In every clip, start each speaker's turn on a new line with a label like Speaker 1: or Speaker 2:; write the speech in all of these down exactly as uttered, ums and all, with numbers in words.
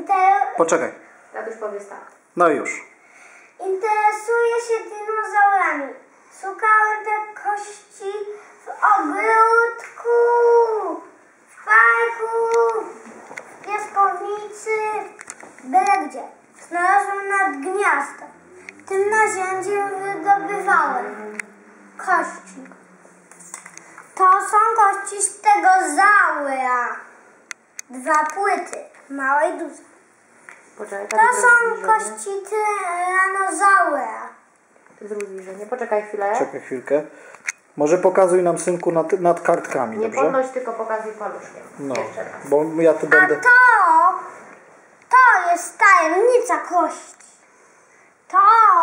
Speaker 1: Inter...
Speaker 2: Poczekaj.
Speaker 3: Tatuś powiedz tak.
Speaker 2: No już.
Speaker 1: Interesuję się dinozaurami. Szukałem te kości w ogródku, w parku, w piaskownicy, byle gdzie. Znalazłem nad gniazdem. Tym narzędziem wydobywałem kości. To są kości stegozaura. Dwa płyty, małe i duże.
Speaker 3: Poczekaj,
Speaker 1: To
Speaker 3: tatuś
Speaker 1: są
Speaker 3: zrobi zbliżenie.
Speaker 1: kości tyranozaura.
Speaker 3: Zrób zbliżenie. Poczekaj chwilę.
Speaker 2: Czekaj chwilkę. Może pokazuj nam, synku, nad, nad kartkami,
Speaker 3: Nie
Speaker 2: dobrze?
Speaker 3: podnoś, tylko pokazuj paluszkiem.
Speaker 2: No,
Speaker 3: Jeszcze raz.
Speaker 2: bo ja tu
Speaker 1: A
Speaker 2: będę...
Speaker 1: to, to jest tajemnica kości. To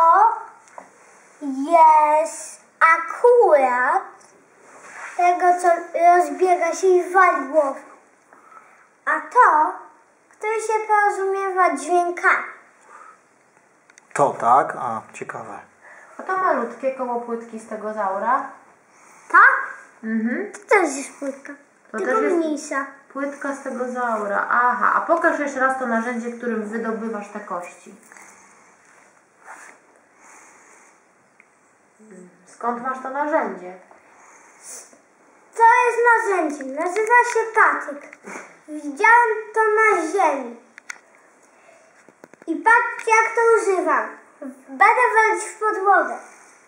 Speaker 1: jest akurat tego, co rozbiega się i wali głowę. A to, który się porozumiewa dźwiękami.
Speaker 2: To tak? A, ciekawe.
Speaker 3: A to malutkie koło płytki stegozaura.
Speaker 1: Tak?
Speaker 3: Mhm.
Speaker 1: To też jest płytka,
Speaker 3: To
Speaker 1: tylko
Speaker 3: też jest-
Speaker 1: mniejsza.
Speaker 3: Płytka stegozaura. Aha, a pokaż jeszcze raz to narzędzie, którym wydobywasz te kości. Skąd masz to narzędzie?
Speaker 1: To jest narzędzie, nazywa się patyk. Widziałem to na ziemi. I patrzcie, jak to używam. Będę walić w podłogę.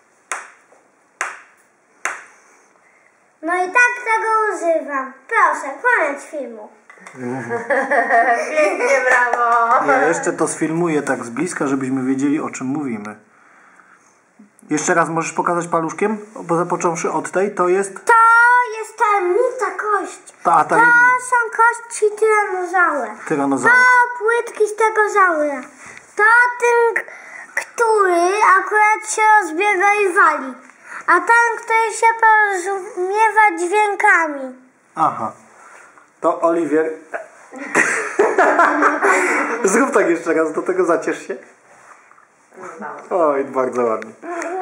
Speaker 1: No i tak tego używam. Proszę, koniec filmu.
Speaker 3: Pięknie, brawo!
Speaker 2: Ja jeszcze to sfilmuję tak z bliska, żebyśmy wiedzieli, o czym mówimy. Jeszcze raz możesz pokazać paluszkiem? Bo zapocząwszy od tej, to jest...
Speaker 1: To jest tajemnica kości.
Speaker 2: Ta, a
Speaker 1: To
Speaker 2: tajemnica.
Speaker 1: są kości tyranozaura.
Speaker 2: Tyranozaura.
Speaker 1: To płytki stegozaura. To ten, k- który akurat się rozbiega i wali. A ten, który się porozumiewa dźwiękami.
Speaker 2: Aha. To Oliwier... Zrób tak jeszcze raz, do tego zaciesz się.
Speaker 3: No.
Speaker 2: Oj, bardzo ładnie.